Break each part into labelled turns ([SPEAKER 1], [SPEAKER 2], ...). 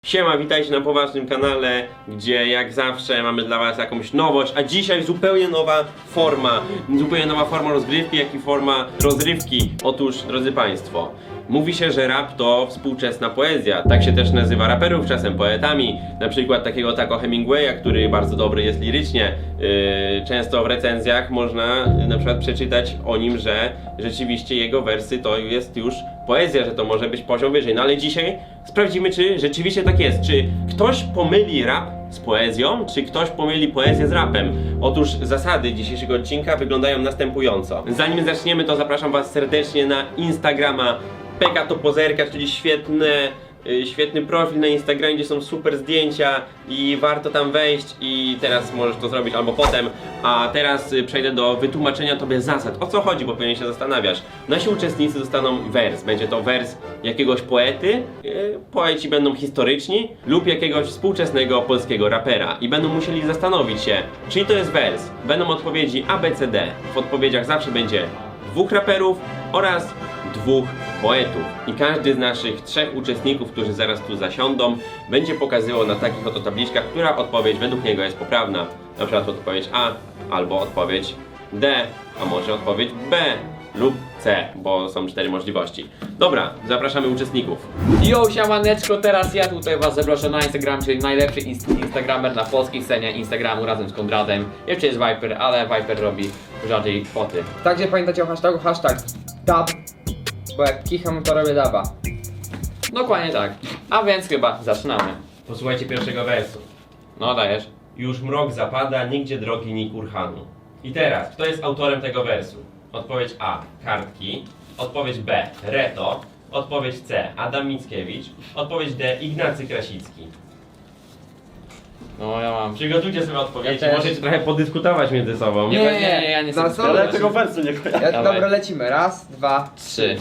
[SPEAKER 1] Siema, witajcie na poważnym kanale, gdzie jak zawsze mamy dla was jakąś nowość, a dzisiaj zupełnie nowa forma rozgrywki, jak i forma rozrywki. Otóż, drodzy państwo, mówi się, że rap to współczesna poezja. Tak się też nazywa raperów, czasem poetami. Na przykład takiego Taco Hemingwaya, który bardzo dobry jest lirycznie. Często w recenzjach można na przykład przeczytać o nim, że rzeczywiście jego wersy to jest już poezja, że to może być poziom wyżej. No ale dzisiaj sprawdzimy, czy rzeczywiście tak jest. Czy ktoś pomyli rap z poezją, czy ktoś pomyli poezję z rapem? Otóż zasady dzisiejszego odcinka wyglądają następująco. Zanim zaczniemy, to zapraszam was serdecznie na Instagrama Peka to Pozerka, czyli świetny profil na Instagramie, gdzie są super zdjęcia i warto tam wejść i teraz możesz to zrobić albo potem. A teraz przejdę do wytłumaczenia tobie zasad. O co chodzi, bo pewnie się zastanawiasz. Nasi uczestnicy dostaną wers. Będzie to wers jakiegoś poety, poeci będą historyczni lub jakiegoś współczesnego polskiego rapera i będą musieli zastanowić się, czyj to jest wers. Będą odpowiedzi A, B, C, D. W odpowiedziach zawsze będzie dwóch raperów oraz dwóch poetów. I każdy z naszych trzech uczestników, którzy zaraz tu zasiądą, będzie pokazywał na takich oto tabliczkach, która odpowiedź według niego jest poprawna. Na przykład odpowiedź A, albo odpowiedź D, a może odpowiedź B lub C, bo są cztery możliwości. Dobra, zapraszamy uczestników.
[SPEAKER 2] Yo, siamaneczko, teraz ja tutaj was zapraszam na Instagram, czyli najlepszy instagramer na polskiej scenie Instagramu razem z Konradem. Jeszcze jest Viper, ale Viper robi rzadziej foty.
[SPEAKER 3] Także pamiętajcie o hashtagu, dub, bo jak kicham to robię duba.
[SPEAKER 2] Dokładnie tak. A więc chyba zaczynamy.
[SPEAKER 1] Posłuchajcie pierwszego wersu.
[SPEAKER 2] No dajesz.
[SPEAKER 1] Już mrok zapada, nigdzie drogi ni kurhanu. I teraz, kto jest autorem tego wersu? Odpowiedź A. Kartki. Odpowiedź B. Reto. Odpowiedź C. Adam Mickiewicz. Odpowiedź D. Ignacy Krasicki.
[SPEAKER 2] No ja mam.
[SPEAKER 1] Przygotujcie sobie odpowiedzi,
[SPEAKER 3] Ja też.
[SPEAKER 1] możecie trochę podyskutować między sobą.
[SPEAKER 2] Nie, ja nie
[SPEAKER 3] Za
[SPEAKER 2] chcę.
[SPEAKER 3] co?
[SPEAKER 4] Ale tego wersu nie kojarzę.
[SPEAKER 2] Dawaj.
[SPEAKER 3] Dobra, lecimy. Raz, dwa,
[SPEAKER 2] 3.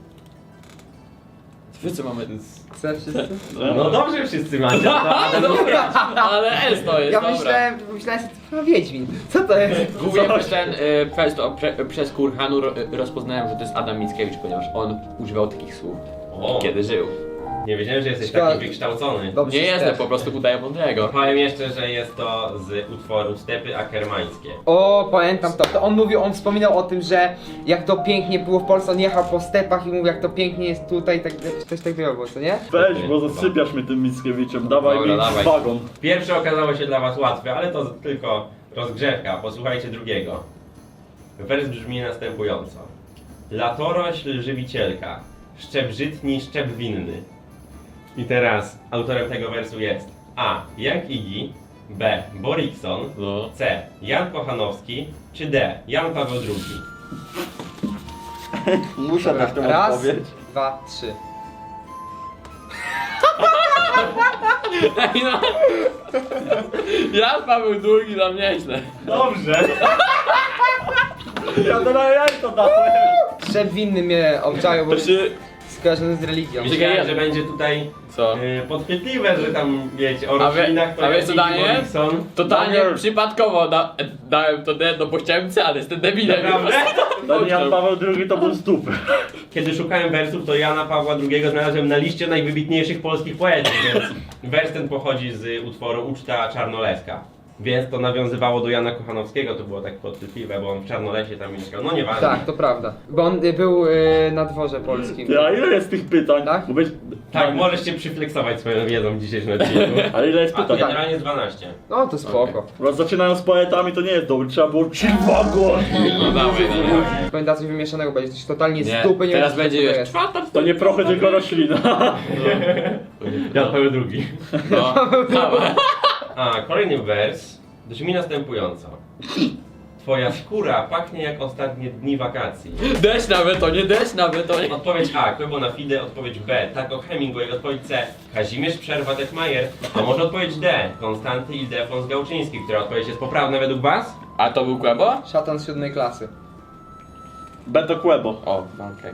[SPEAKER 2] Wy co mamy?
[SPEAKER 3] C wszyscy?
[SPEAKER 1] No dobrze wszyscy macie, to Adam Mickiewicz.
[SPEAKER 2] Ale S to jest,
[SPEAKER 3] Ja
[SPEAKER 2] dobra.
[SPEAKER 3] myślałem sobie, to Wiedźmin. Co to jest?
[SPEAKER 2] Głównie przez Kurhanu rozpoznałem, że to jest Adam Mickiewicz, ponieważ on używał takich słów,
[SPEAKER 1] O,
[SPEAKER 2] kiedy żył.
[SPEAKER 1] nie wiedziałem, że jesteś
[SPEAKER 3] Szkoda.
[SPEAKER 1] taki wykształcony.
[SPEAKER 3] Dobrze
[SPEAKER 2] Nie
[SPEAKER 3] się
[SPEAKER 2] jestem,
[SPEAKER 3] też.
[SPEAKER 2] po prostu udaję mądrego.
[SPEAKER 1] Powiem jeszcze, że jest to z utworu Stepy Akermańskie.
[SPEAKER 3] O, pamiętam to. To on mówił, on wspominał o tym, że jak to pięknie było w Polsce, on jechał po stepach i mówił, jak to pięknie jest tutaj, tak, coś takiego było, co nie?
[SPEAKER 4] Weź, bo zasypiasz mnie tym Mickiewiczem. Dawaj
[SPEAKER 2] Dobra,
[SPEAKER 4] mi
[SPEAKER 2] dawaj.
[SPEAKER 4] wagon.
[SPEAKER 1] Pierwsze okazało się dla was łatwe, ale to tylko rozgrzewka. Posłuchajcie drugiego. Wers brzmi następująco. Latorośl żywicielka, szczep żytni, szczep winny. I teraz autorem tego wersu jest A. Jan Igi, B. Borikson,
[SPEAKER 2] No.
[SPEAKER 1] C. Jan Kochanowski, czy D. Jan Paweł II.
[SPEAKER 4] Muszę dać tę
[SPEAKER 3] Raz,
[SPEAKER 4] odpowiedź.
[SPEAKER 3] dwa, trzy.
[SPEAKER 2] Ej, no. Ja Paweł II dla mnie nieźle.
[SPEAKER 1] Dobrze.
[SPEAKER 4] Ja teraz ja to dałem.
[SPEAKER 3] Szczep winny mnie obczaił, bo
[SPEAKER 2] To
[SPEAKER 3] jest
[SPEAKER 2] się...
[SPEAKER 3] skojarzony z religią.
[SPEAKER 1] Myślałem, że będzie tutaj
[SPEAKER 2] Co?
[SPEAKER 1] podchwytliwe, że tam wiecie, o
[SPEAKER 2] A wie-
[SPEAKER 1] roślinach
[SPEAKER 2] a wiesz co,
[SPEAKER 1] Jan Igi,
[SPEAKER 2] Daniel?
[SPEAKER 1] Borikson.
[SPEAKER 2] Totalnie
[SPEAKER 4] Daniel.
[SPEAKER 2] przypadkowo dałem to D, no bo chciałem C, ale jestem debilem.
[SPEAKER 1] Naprawdę?
[SPEAKER 4] Ten Jan Paweł II to był stupy.
[SPEAKER 1] Kiedy szukałem wersów, to Jana Pawła II znalazłem na liście najwybitniejszych polskich poetów, więc wers ten pochodzi z utworu Uczta Czarnoleska. Więc to nawiązywało do Jana Kochanowskiego, to było tak podchwytliwe, bo on w Czarnolesie tam mieszkał, no nieważne.
[SPEAKER 3] Tak, to prawda. Bo on był na dworze polskim.
[SPEAKER 4] Ja, ile jest tych pytań?
[SPEAKER 3] Tak?
[SPEAKER 4] Bo być...
[SPEAKER 1] Tak, możesz się przyfleksować swoją wiedzą w dzisiejszym odcinku.
[SPEAKER 4] Ale ile jest
[SPEAKER 1] A to
[SPEAKER 4] pytań?
[SPEAKER 1] generalnie jest 12.
[SPEAKER 3] No to spoko.
[SPEAKER 4] Bo zaczynają z poetami, to nie jest dobre. Trzeba było chill wagon.
[SPEAKER 2] No dawaj.
[SPEAKER 3] Pamięta coś wymieszanego, będzie coś totalnie
[SPEAKER 2] Nie,
[SPEAKER 3] z dupy, nie
[SPEAKER 2] teraz
[SPEAKER 3] wiem,
[SPEAKER 2] będzie
[SPEAKER 3] co to
[SPEAKER 2] już
[SPEAKER 3] jest.
[SPEAKER 2] czwarta.
[SPEAKER 4] To nie prochy, tylko roślina.
[SPEAKER 1] Jan Paweł II.
[SPEAKER 2] No, dawaj.
[SPEAKER 1] A, kolejny wers brzmi następująco. Twoja skóra pachnie jak ostatnie dni wakacji.
[SPEAKER 2] Deszcz na betonie, deszcz na betonie.
[SPEAKER 1] Odpowiedź A. Kłębo na Fide, odpowiedź B. Taco Hemingway, odpowiedź C. Kazimierz Przerwa-Detmajer, a może odpowiedź D. Konstanty Ildefons Gałczyński, która odpowiedź jest poprawna według was?
[SPEAKER 2] A to był Kłębo?
[SPEAKER 3] Szatan z 7 klasy.
[SPEAKER 4] Beto Kłebo.
[SPEAKER 2] O, okej.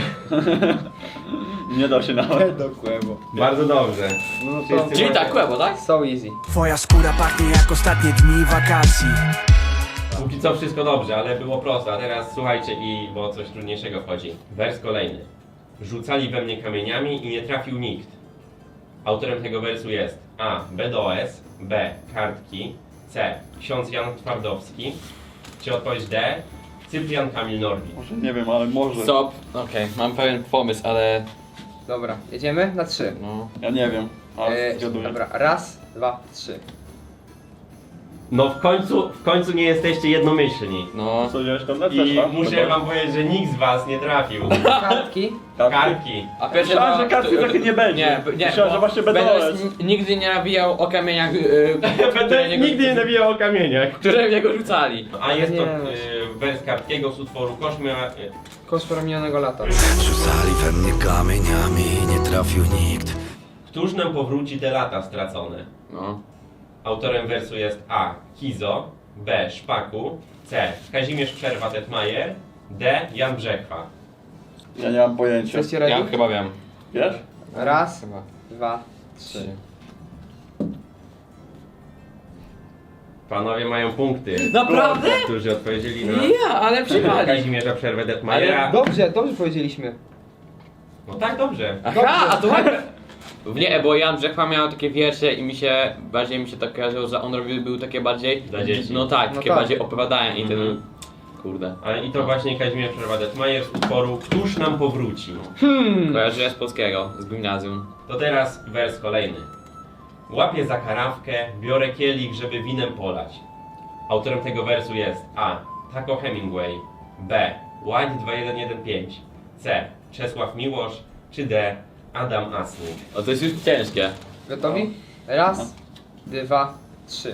[SPEAKER 4] Nie da się nawet.
[SPEAKER 3] Do kłębo.
[SPEAKER 1] Bardzo dobrze.
[SPEAKER 3] No to
[SPEAKER 1] Wszyscy
[SPEAKER 2] Czyli
[SPEAKER 1] macie-
[SPEAKER 2] tak, Kłębo, tak?
[SPEAKER 3] so easy.
[SPEAKER 5] Twoja skóra pachnie jak ostatnie dni wakacji.
[SPEAKER 1] Póki co wszystko dobrze, ale było prosto, a teraz słuchajcie bo coś trudniejszego wchodzi. Wers kolejny. Rzucali we mnie kamieniami i nie trafił nikt. Autorem tego wersu jest A. BDOS, B. Kartki, C. Ksiądz Jan Twardowski, czy odpowiedź D. Cyprian Kamil Norwid.
[SPEAKER 4] Może nie wiem, ale może.
[SPEAKER 2] Stop. Okej, mam pewien pomysł, ale
[SPEAKER 3] Dobra, jedziemy na 3.
[SPEAKER 2] no.
[SPEAKER 4] Ja nie wiem, ale zgaduję.
[SPEAKER 3] Dobra, raz, dwa, 3.
[SPEAKER 1] No w końcu nie jesteście jednomyślni.
[SPEAKER 2] No.
[SPEAKER 4] Co wziąłeś Konrad?
[SPEAKER 1] I
[SPEAKER 4] Też, tak?
[SPEAKER 1] muszę wam powiedzieć, że nikt z was nie trafił.
[SPEAKER 3] Kartki.
[SPEAKER 1] Kartki.
[SPEAKER 2] A pierwsze
[SPEAKER 4] Myślałem, że kartki takie nie będzie.
[SPEAKER 2] Nie,
[SPEAKER 4] Myślałem, że właśnie BDOS.
[SPEAKER 2] nigdy nie nawijał o kamieniach,
[SPEAKER 1] Będę nigdy nie nawijał o kamieniach.
[SPEAKER 2] które w niego rzucali.
[SPEAKER 1] A jest to
[SPEAKER 3] Nie.
[SPEAKER 1] wers Kartkiego z utworu Koszmia.
[SPEAKER 3] Koszmar minionego lata.
[SPEAKER 5] Rzucali we mnie kamieniami, nie trafił nikt.
[SPEAKER 1] Któż nam powróci te lata stracone?
[SPEAKER 2] No.
[SPEAKER 1] Autorem wersu jest A. Kizo, B. Szpaku, C. Kazimierz Przerwa-Detmajer, D. Jan Brzechwa.
[SPEAKER 4] Ja nie mam pojęcia.
[SPEAKER 3] Jesteście
[SPEAKER 2] Ja
[SPEAKER 3] ready?
[SPEAKER 2] chyba wiem.
[SPEAKER 4] Wiesz?
[SPEAKER 3] Raz,
[SPEAKER 2] Chyba.
[SPEAKER 3] dwa, 3.
[SPEAKER 1] Panowie mają punkty.
[SPEAKER 2] Naprawdę?
[SPEAKER 1] Którzy odpowiedzieli na
[SPEAKER 2] Ja, ale przywali.
[SPEAKER 1] Kazimierza Przerwę-Detmajera.
[SPEAKER 3] Dobrze powiedzieliśmy.
[SPEAKER 1] No tak, dobrze.
[SPEAKER 2] Aha, a to nie, bo Jan Brzechwa miał takie wiersze i bardziej mi się tak kojarzyło, że on był takie bardziej...
[SPEAKER 1] Dla dzieci.
[SPEAKER 2] No tak,
[SPEAKER 3] No
[SPEAKER 2] takie
[SPEAKER 3] tak.
[SPEAKER 2] bardziej opowiadania i ten...
[SPEAKER 1] Mhm.
[SPEAKER 2] Kurde.
[SPEAKER 1] Ale i to właśnie Kazimierz Przerwa-Detmajer z utworu Któż nam powróci.
[SPEAKER 2] Kojarzyłem z polskiego, z gimnazjum.
[SPEAKER 1] To teraz wers kolejny. Łapię za karawkę, biorę kielich, żeby winem polać. Autorem tego wersu jest A. Taco Hemingway, B. White 2115, C. Czesław Miłosz, czy D. Adam Asnik.
[SPEAKER 2] O, to jest już ciężkie.
[SPEAKER 3] Gotowi? Raz, dwa, 3.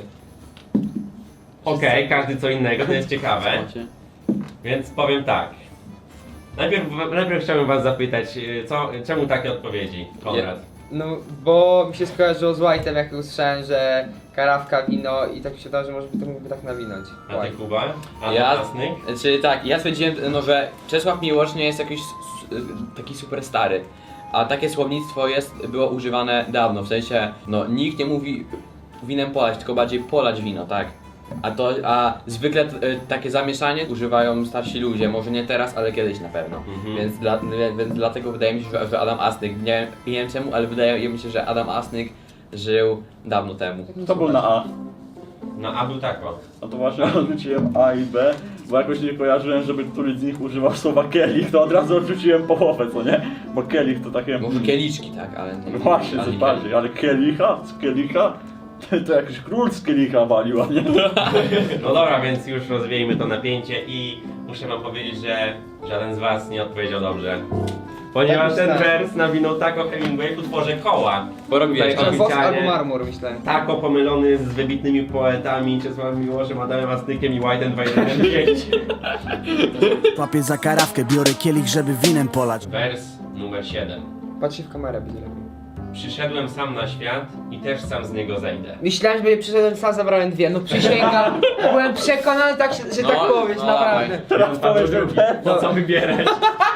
[SPEAKER 1] Okej, każdy co innego, to jest ciekawe. Więc powiem tak. Najpierw chciałbym was zapytać, czemu takie odpowiedzi, Konrad?
[SPEAKER 3] No, bo mi się skojarzyło z White'em, jak usłyszałem, że karawka, wino i tak mi się dało, że może by to mógłby tak nawinąć.
[SPEAKER 1] A ty,
[SPEAKER 3] White.
[SPEAKER 1] Kuba? Adam
[SPEAKER 2] Ja,
[SPEAKER 1] Asnik?
[SPEAKER 2] czyli tak, ja stwierdziłem, no, że Czesław Miłosz nie jest jakiś taki super stary. A takie słownictwo było używane dawno, w sensie, no nikt nie mówi winem polać, tylko bardziej polać wino, tak? A zwykle takie zamieszanie używają starsi ludzie, może nie teraz, ale kiedyś na pewno.
[SPEAKER 1] Mhm.
[SPEAKER 2] Więc dlatego wydaje mi się, że Adam Asnyk, nie wiem czemu, ale wydaje mi się, że Adam Asnyk żył dawno temu.
[SPEAKER 4] To był na A.
[SPEAKER 1] Na A był tako.
[SPEAKER 4] No to właśnie odrzuciłem A i B, bo jakoś nie kojarzyłem, żeby któryś z nich używał słowa kielich, to od razu odrzuciłem połowę, co nie? Bo kielich to takie...
[SPEAKER 2] Może kieliczki, tak, ale nie.
[SPEAKER 4] No właśnie,
[SPEAKER 2] ale
[SPEAKER 4] coś
[SPEAKER 2] nie
[SPEAKER 4] bardziej, ale kielicha? Z kielicha? To jakiś król z kielicha walił, a nie?
[SPEAKER 1] No dobra, więc już rozwiejmy to napięcie i muszę wam powiedzieć, że żaden z was nie odpowiedział dobrze. Ponieważ
[SPEAKER 3] Tak
[SPEAKER 1] ten
[SPEAKER 3] myślałem.
[SPEAKER 1] wers nawinął Taco Hemingway w utworze Koła.
[SPEAKER 2] Porobiłeś
[SPEAKER 1] Tutaj
[SPEAKER 2] to.
[SPEAKER 3] Wosk
[SPEAKER 1] oficjalnie
[SPEAKER 3] albo marmur, myślałem.
[SPEAKER 1] Taco pomylony z wybitnymi poetami Czesławem Miłoszem, Adamem Asnykiem i White'em 2115.
[SPEAKER 5] Łapię za karawkę, biorę kielich, żeby winem polać.
[SPEAKER 1] Wers numer 7.
[SPEAKER 3] Patrzcie w kamerę, będzie lepiej.
[SPEAKER 1] Przyszedłem sam na świat i też sam z niego zejdę.
[SPEAKER 3] Myślałem, że będzie przyszedłem sam, zabrałem 2. No przysięgam, byłem przekonany, tak, że
[SPEAKER 2] No,
[SPEAKER 3] tak powiedzieć,
[SPEAKER 2] no,
[SPEAKER 3] naprawdę.
[SPEAKER 4] Teraz powiesz, że B,
[SPEAKER 1] No co wybierać?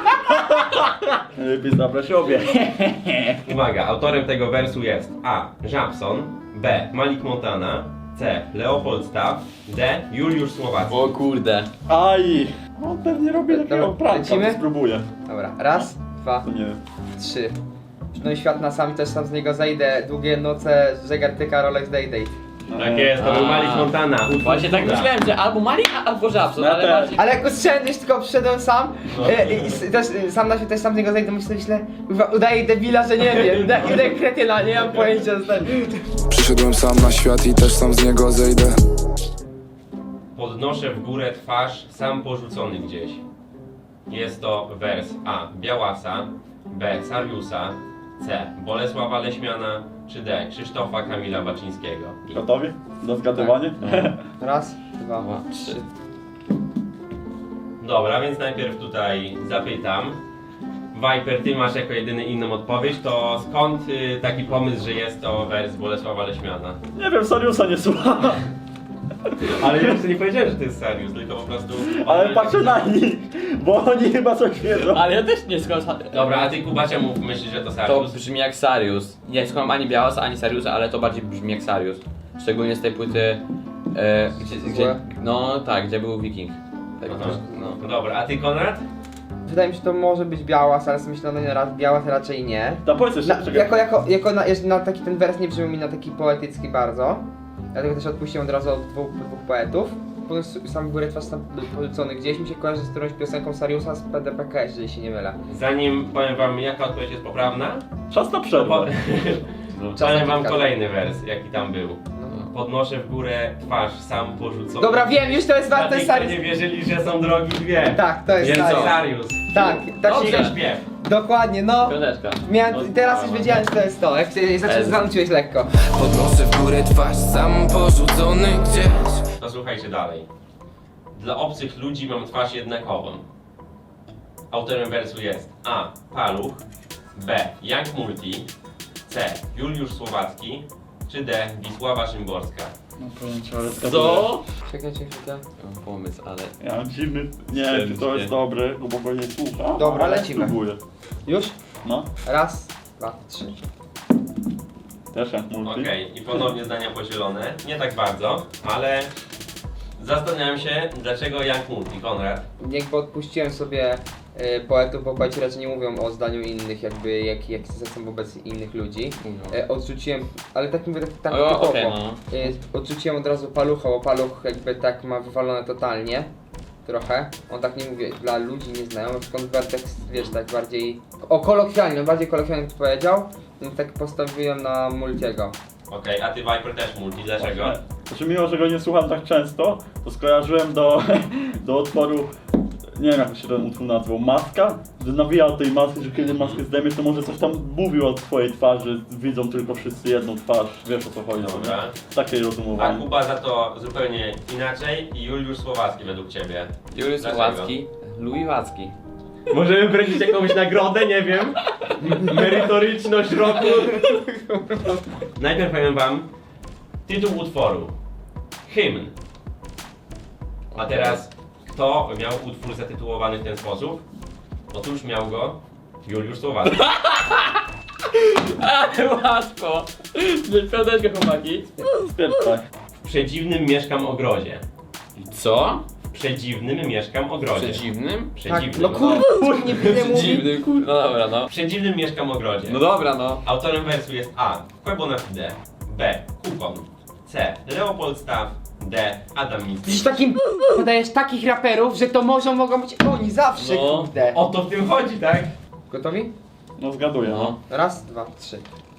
[SPEAKER 4] lepiej zabrać obie.
[SPEAKER 1] Uwaga, autorem tego wersu jest A. Żabson, B. Malik Montana, C. Leopold Staff, D. Juliusz Słowacki.
[SPEAKER 2] O kurde.
[SPEAKER 4] Aj! On pewnie robi takiego
[SPEAKER 3] Dobra,
[SPEAKER 4] pranka,
[SPEAKER 3] lecimy?
[SPEAKER 4] to spróbuję.
[SPEAKER 3] Dobra, raz, dwa,
[SPEAKER 4] To nie wiem.
[SPEAKER 3] 3. No i świat na sam, też sam z niego zejdę. Długie noce, zegartyka, Rolex Day.
[SPEAKER 1] Tak jest, to był Malik Montana. utwór
[SPEAKER 2] Właśnie tak
[SPEAKER 1] Kuba.
[SPEAKER 2] myślałem, że albo Malik, albo Żabson,
[SPEAKER 4] Ja
[SPEAKER 2] ale
[SPEAKER 4] też.
[SPEAKER 2] bardziej...
[SPEAKER 3] Ale jak usłyszałem, już tylko przyszedłem sam
[SPEAKER 1] No.
[SPEAKER 3] też sam na świat, też sam z niego zejdę, myślę, kurwa, udaję debila, że nie wiem, udaję kretyna, nie mam pojęcia, co ten...
[SPEAKER 6] Przyszedłem sam na świat i też sam z niego zejdę.
[SPEAKER 1] Podnoszę w górę twarz, sam porzucony gdzieś. Jest to wers A. Białasa, B. Sariusa, C. Bolesława Leśmiana, czy D. Krzysztofa Kamila Baczyńskiego.
[SPEAKER 4] Gotowi? Do zgadywania?
[SPEAKER 3] Raz, dwa,
[SPEAKER 2] Dwa,
[SPEAKER 3] trzy.
[SPEAKER 1] Dobra, więc najpierw tutaj zapytam. Viper, ty masz jako jedyny inną odpowiedź, to skąd taki pomysł, że jest to wers Bolesława Leśmiana?
[SPEAKER 4] Nie wiem, Sariusa nie słucha.
[SPEAKER 1] Ale ja jeszcze nie powiedziałem, że to jest Sarius, tylko po prostu...
[SPEAKER 4] Ale patrzę na nich, bo oni chyba coś wiedzą.
[SPEAKER 2] Ale ja też nie skąd...
[SPEAKER 1] Dobra, a ty Kuba czemu myślisz, że to
[SPEAKER 2] To
[SPEAKER 1] Sarius?
[SPEAKER 2] brzmi jak Sarius. Nie skąd ani Białasa, ani Sariusa, ale to bardziej brzmi jak Sarius. Szczególnie z tej płyty... gdzie, no tak, gdzie był Wiking. Tak,
[SPEAKER 1] Aha.
[SPEAKER 2] no.
[SPEAKER 1] Dobra, a ty Konrad?
[SPEAKER 3] wydaje mi się, że to może być Białas, ale sobie myślę, no nie raz, Białas raczej nie.
[SPEAKER 4] To powiedz jeszcze, czekaj.
[SPEAKER 3] Jako na taki ten wers nie brzmi mi na taki poetycki bardzo. Dlatego też odpuściłem od razu od dwóch poetów. Potem sam Góry Twarz tam porzucony gdzieś mi się kojarzy z którąś piosenką Sariusa z PDPK, jeżeli się nie mylę.
[SPEAKER 1] Zanim powiem wam jaka odpowiedź jest poprawna,
[SPEAKER 4] Czas na przerwę.
[SPEAKER 1] powiem wam kolejny wers, jaki tam był. Podnoszę w górę twarz, sam porzucony.
[SPEAKER 3] Dobra, wiem, już to jest
[SPEAKER 1] Dla
[SPEAKER 3] warte
[SPEAKER 1] tych, co
[SPEAKER 3] Sarius.
[SPEAKER 1] nie wierzyli, że są drogi dwie.
[SPEAKER 3] Tak, to jest
[SPEAKER 1] Więc
[SPEAKER 3] Sarius.
[SPEAKER 1] Sarius.
[SPEAKER 3] Tak, tak się
[SPEAKER 1] Dobrze śpiew.
[SPEAKER 3] Dokładnie, no.
[SPEAKER 2] Piąteczka.
[SPEAKER 3] Miałem, teraz już wiedziałem, że to jest to. Jak się zanuciłeś lekko.
[SPEAKER 7] Podnoszę w górę twarz, sam porzucony gdzieś.
[SPEAKER 1] No słuchajcie dalej. Dla obcych ludzi mam twarz jednakową. Autorem wersu jest A. Paluch, B. Young Multi, C. Juliusz Słowacki, czy D. Wisława Szymborska.
[SPEAKER 4] No powiem ci, ale zgaduję.
[SPEAKER 2] Co?
[SPEAKER 3] Czekaj.
[SPEAKER 2] Mam pomysł, ale...
[SPEAKER 4] Ja mam dziwny... Nie wiem, czy to jest dobre, bo go nie słucha.
[SPEAKER 3] Dobra,
[SPEAKER 4] ale
[SPEAKER 3] lecimy.
[SPEAKER 4] Spróbuję.
[SPEAKER 3] Już?
[SPEAKER 4] No,
[SPEAKER 3] Raz, dwa, trzy.
[SPEAKER 4] też jak multi.
[SPEAKER 1] Okej, i ponownie zdania podzielone. Nie tak bardzo, ale zastanawiam się, dlaczego Young Multi, Konrad.
[SPEAKER 3] Jakby odpuściłem sobie poetów, bo poeci raczej nie mówią o zdaniu innych, jakby jak są wobec innych ludzi. Odrzuciłem, ale tak mówię tak
[SPEAKER 2] O,
[SPEAKER 3] typowo.
[SPEAKER 2] okej, no.
[SPEAKER 3] Odrzuciłem od razu Palucha, bo Paluch jakby tak ma wywalone totalnie. Trochę. On tak nie mówi dla ludzi nieznajomych, skąd tak, wiesz, tak bardziej... kolokwialnie, bardziej kolokwialnie to powiedział. Więc tak postawiłem na Multiego.
[SPEAKER 1] Okej, a ty Viper też Multi, dlaczego?
[SPEAKER 4] Znaczy mimo, że go nie słucham tak często, to skojarzyłem do utworu, nie wiem jak się ten utwór nazwał, Maska, że nawijał tej maski, że kiedy maskę zdejmie, to może coś tam mówił o swojej twarzy, widzą tylko wszyscy jedną twarz, wiesz o co chodzi.
[SPEAKER 1] Dobra.
[SPEAKER 4] Nie? Takie
[SPEAKER 1] A
[SPEAKER 4] rozumowanie.
[SPEAKER 1] Kuba za to zupełnie inaczej i Juliusz Słowacki według ciebie.
[SPEAKER 2] Juliusz
[SPEAKER 1] Dlaczego?
[SPEAKER 2] Słowacki, Louis Wacki.
[SPEAKER 1] Możemy wręczyć jakąś nagrodę, nie wiem. Merytoryczność roku. Najpierw powiem wam tytuł utworu. Hymn. A teraz kto miał utwór zatytułowany w ten sposób? Otóż miał go Juliusz Słowacki.
[SPEAKER 2] Ale łatwo! Piąteczka, chłopaki.
[SPEAKER 4] Spierdaj.
[SPEAKER 1] W przedziwnym mieszkam ogrodzie.
[SPEAKER 2] Co?
[SPEAKER 1] W przedziwnym mieszkam ogrodzie.
[SPEAKER 2] Przeciwnym?
[SPEAKER 1] Przedziwnym.
[SPEAKER 3] No kurde, nie będę mówił.
[SPEAKER 2] Przeciwnym, kurde. No dobra, no.
[SPEAKER 1] W przedziwnym mieszkam ogrodzie.
[SPEAKER 2] No dobra, no.
[SPEAKER 1] Autorem wersu jest A. Quebo na Fide, B. Kukon, C. Leopold Staff, D. Adam
[SPEAKER 3] Jesteś
[SPEAKER 1] Mistrz.
[SPEAKER 3] takim podajesz takich raperów, że to mogą być oni zawsze,
[SPEAKER 2] No.
[SPEAKER 3] kurde.
[SPEAKER 1] O to w tym chodzi, tak?
[SPEAKER 3] Gotowi?
[SPEAKER 4] No zgaduję, no.
[SPEAKER 3] Raz, dwa, trzy.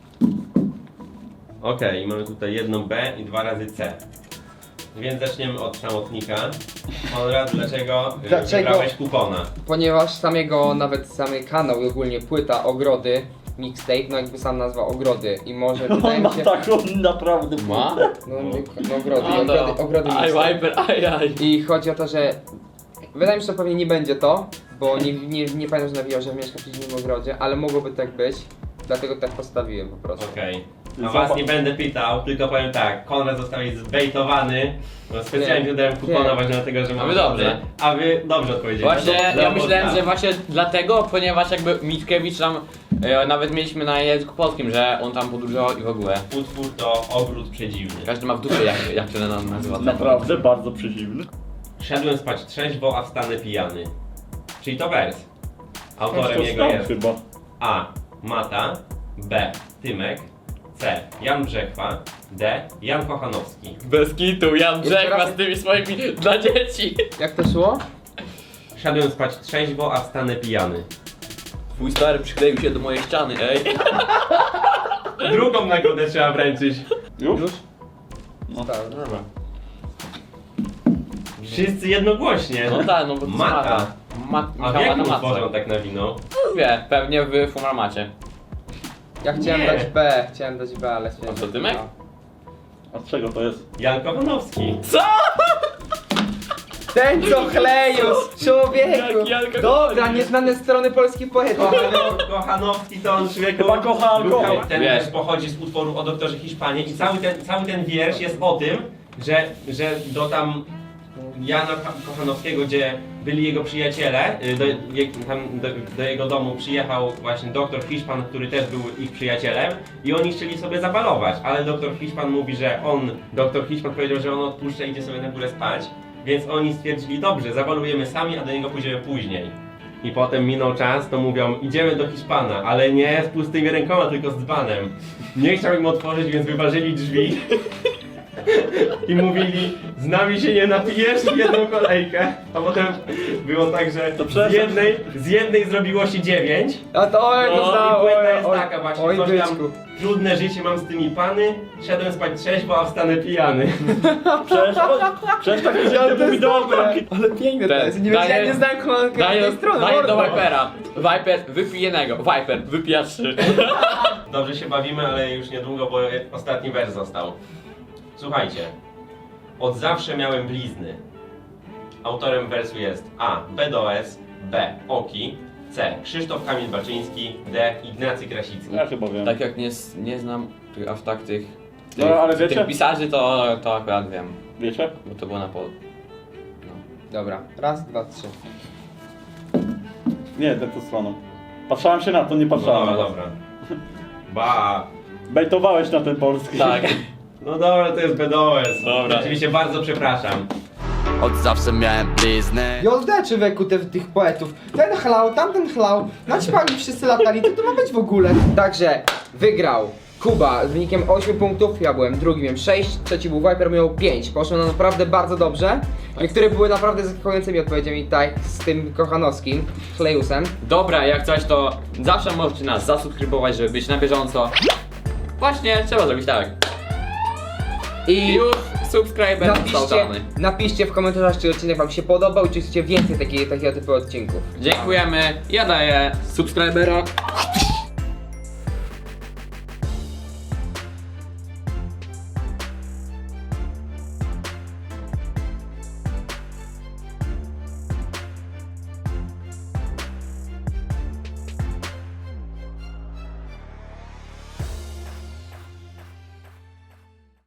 [SPEAKER 1] Okej, mamy tutaj jedną B i 2 razy C. Więc zaczniemy od samotnika. Konrad, dlaczego wybrałeś Kukona?
[SPEAKER 3] Ponieważ nawet samy kanał i ogólnie płyta Ogrody, mixtape, no jakby sam nazwa Ogrody i może wydaje
[SPEAKER 4] On
[SPEAKER 3] mi
[SPEAKER 4] ma
[SPEAKER 3] się...
[SPEAKER 4] taką naprawdę...
[SPEAKER 2] Ma?
[SPEAKER 3] No ogrody
[SPEAKER 2] Aj,
[SPEAKER 3] mixtape.
[SPEAKER 2] Viper, aj.
[SPEAKER 3] I chodzi o to, że wydaje mi się, że to pewnie nie będzie to, bo nie pamiętam, że nawijał, że mieszka w przeciwnym ogrodzie, ale mogłoby tak być, dlatego tak postawiłem po prostu.
[SPEAKER 1] Okej. A was nie będę pytał, tylko powiem tak. Konrad został zbejtowany. Bo specjalnie
[SPEAKER 3] Nie.
[SPEAKER 1] dodałem kupona
[SPEAKER 3] Nie.
[SPEAKER 1] właśnie dlatego, że
[SPEAKER 2] A
[SPEAKER 1] mamy
[SPEAKER 2] wy dobrze.
[SPEAKER 1] A wy dobrze odpowiedzieli.
[SPEAKER 2] Właśnie, ja
[SPEAKER 1] Leopold
[SPEAKER 2] myślałem,
[SPEAKER 1] Staff.
[SPEAKER 2] że właśnie dlatego, ponieważ jakby Mickiewicz tam nawet mieliśmy na języku polskim, że on tam podróżował i w ogóle.
[SPEAKER 1] Utwór to Ogród Przedziwny.
[SPEAKER 2] Każdy ma w dupie jak się nam nazywa.
[SPEAKER 4] Naprawdę bardzo przeciwny.
[SPEAKER 1] Szedłem spać trzeźwo, a wstanę pijany. Czyli to wers. Autorem
[SPEAKER 4] To
[SPEAKER 1] jego
[SPEAKER 4] Staff
[SPEAKER 1] jest
[SPEAKER 4] chyba.
[SPEAKER 1] A. Mata, B. Tymek, C. Jan Brzechwa, D. Jan Kochanowski.
[SPEAKER 2] Bez kitu, Jan Brzechwa
[SPEAKER 3] raz.
[SPEAKER 2] z tymi swoimi dla dzieci.
[SPEAKER 3] Jak to szło?
[SPEAKER 1] Szedłem spać trzeźwo, a wstanę pijany.
[SPEAKER 2] Twój stary przykleił się do mojej ściany, ej.
[SPEAKER 1] Drugą nagrodę trzeba wręczyć.
[SPEAKER 4] Już?
[SPEAKER 3] No tak, dobra.
[SPEAKER 1] Wszyscy jednogłośnie.
[SPEAKER 2] No tak, no bo to jest
[SPEAKER 1] Mata. A w
[SPEAKER 2] Michała
[SPEAKER 1] jakim
[SPEAKER 2] na
[SPEAKER 1] utworze on
[SPEAKER 2] matce.
[SPEAKER 1] tak nawinął?
[SPEAKER 2] Wie, pewnie w Fumarmacie.
[SPEAKER 3] Ja chciałem
[SPEAKER 1] Nie.
[SPEAKER 3] dać B, ale stwierdziłem,
[SPEAKER 2] A co, Tymek?
[SPEAKER 3] no.
[SPEAKER 4] A z czego to jest?
[SPEAKER 1] Jan Kochanowski.
[SPEAKER 3] Ten co chlejus, człowieku!
[SPEAKER 2] Jak Janka
[SPEAKER 3] Dobra,
[SPEAKER 2] Kochanowski.
[SPEAKER 3] nieznane strony polskich poetów.
[SPEAKER 1] Kochanowski to on człowieku...
[SPEAKER 4] Chyba kocha alkohol.
[SPEAKER 1] Ten
[SPEAKER 2] Wiesz.
[SPEAKER 1] wiersz pochodzi z utworu o doktorze Hiszpanii i cały ten wiersz jest o tym, że do tam Jana Kochanowskiego, gdzie byli jego przyjaciele, do jego domu przyjechał właśnie doktor Hiszpan, który też był ich przyjacielem i oni chcieli sobie zabalować, ale doktor Hiszpan mówi, że doktor Hiszpan powiedział, że on odpuszcza i idzie sobie na górę spać, więc oni stwierdzili, dobrze, zabalujemy sami, a do niego pójdziemy później. I potem minął czas, to mówią, idziemy do Hiszpana, ale nie z pustymi rękoma, tylko z dzbanem. Nie chciał im otworzyć, więc wyważyli drzwi. I mówili, z nami się nie napijesz w jedną kolejkę. A potem było tak, że z jednej zrobiło się 9.
[SPEAKER 3] A to
[SPEAKER 1] No i płyta jest
[SPEAKER 3] oj,
[SPEAKER 1] taka właśnie,
[SPEAKER 3] oj,
[SPEAKER 1] coś tam,
[SPEAKER 3] byczku.
[SPEAKER 1] trudne życie mam z tymi pany, szedłem spać trzeźwo, a wstanę pijany.
[SPEAKER 4] Przecież tak widziałem te wideo.
[SPEAKER 3] Ale piękne to jest. Nie
[SPEAKER 2] Daję-
[SPEAKER 3] wiem, nie znałem komandy
[SPEAKER 2] Daję,
[SPEAKER 3] tej strony.
[SPEAKER 2] daję do
[SPEAKER 3] mordo.
[SPEAKER 2] Vipera. Viper, wypij jednego. Viper, wypija 3.
[SPEAKER 1] Dobrze się bawimy, ale już niedługo, bo ostatni wers został. Słuchajcie. Od zawsze miałem blizny. Autorem wersu jest A. BDOS, B. Oki, C. Krzysztof Kamil Baczyński, D. Ignacy Krasicki.
[SPEAKER 4] Ja chyba wiem.
[SPEAKER 2] Tak jak nie znam aż tak tych
[SPEAKER 4] No, ale wiecie?
[SPEAKER 2] tych pisarzy, to akurat wiem.
[SPEAKER 4] Wiecie?
[SPEAKER 2] Bo to było na polu.
[SPEAKER 3] Dobra, raz, dwa, trzy.
[SPEAKER 4] Nie, tą stroną. Patrzałem się na to, nie
[SPEAKER 1] No
[SPEAKER 4] patrzałem
[SPEAKER 1] dobra,
[SPEAKER 4] na was.
[SPEAKER 1] dobra. Ba.
[SPEAKER 4] Bejtowałeś na ten polski.
[SPEAKER 2] Tak.
[SPEAKER 1] No dobra, to jest BDOS.
[SPEAKER 2] Dobra.
[SPEAKER 1] Oczywiście bardzo przepraszam.
[SPEAKER 7] Od zawsze miałem bliznę.
[SPEAKER 3] Joldę człowieku tych poetów. Ten chlał, tamten chlał. Naćpali wszyscy latali. Co to ma być w ogóle? Także wygrał Kuba z wynikiem 8 punktów. Ja byłem drugi, miałem 6. Trzeci był Viper, miał 5. Poszło nam naprawdę bardzo dobrze. Niektóre były naprawdę zaskakującymi odpowiedziami, tak z tym kochanowskim, Chlejusem.
[SPEAKER 2] Dobra, jak coś to zawsze możecie nas zasubskrybować, żeby być na bieżąco. Właśnie, trzeba zrobić tak. I już subskryber zostawiony.
[SPEAKER 3] Napiszcie w komentarzach, czy odcinek wam się podobał, czy chcecie więcej takiego typu odcinków.
[SPEAKER 2] Dziękujemy. Ja daję subskrybera.